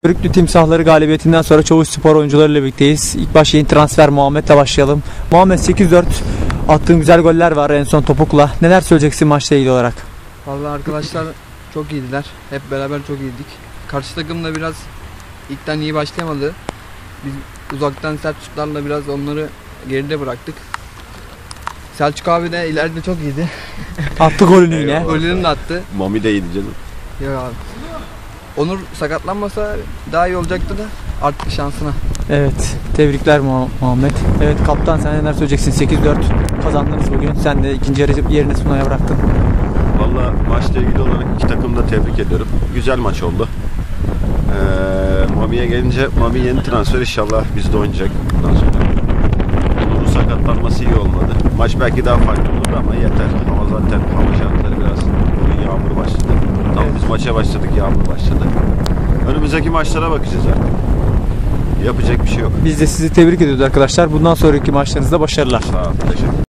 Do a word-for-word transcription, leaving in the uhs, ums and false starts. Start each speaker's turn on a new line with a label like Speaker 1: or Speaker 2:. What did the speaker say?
Speaker 1: Körüklü Timsahları galibiyetinden sonra Çavuşspor oyuncularıyla birlikteyiz. İlk baş yeni transfer Muhammed'le başlayalım. Muhammed, sekiz dört attığın güzel goller var en son topukla. Neler söyleyeceksin maçla ilgili olarak?
Speaker 2: Vallahi arkadaşlar çok iyiydiler. Hep beraber çok iyiydik. Karşı takım da biraz ilkten iyi başlayamadı. Biz uzaktan sert şutlarla biraz onları geride bıraktık. Selçuk abi de ileride çok iyiydi.
Speaker 1: Attı golünü yine.
Speaker 2: Golünü de attı.
Speaker 3: Mami de iyiydi canım.
Speaker 2: Ya abi. Onur sakatlanmasa daha iyi olacaktı da artık şansına.
Speaker 1: Evet, tebrikler Muhammed. Evet kaptan, sen neler söyleyeceksin? sekiz dört kazandınız bugün. Sen de ikinci yarı yerini Sunay'a bıraktın.
Speaker 3: Valla maçla ilgili olarak iki takımı da tebrik ediyorum. Güzel maç oldu. Ee, Mami'ye gelince Mami yeni transfer, inşallah bizde oynayacak bundan sonra. Onur'un sakatlanması iyi olmadı. Maç belki daha farklı olurdu ama yeter. Hava zaten, hava şartları biraz yağmur başladı. Tam biz maça başladık, yağmur başladı. Önümüzdeki maçlara bakacağız artık. Yapacak bir şey yok.
Speaker 1: Biz de sizi tebrik ediyoruz arkadaşlar. Bundan sonraki maçlarınızda başarılar.
Speaker 3: Sağ ol, teşekkür ederim.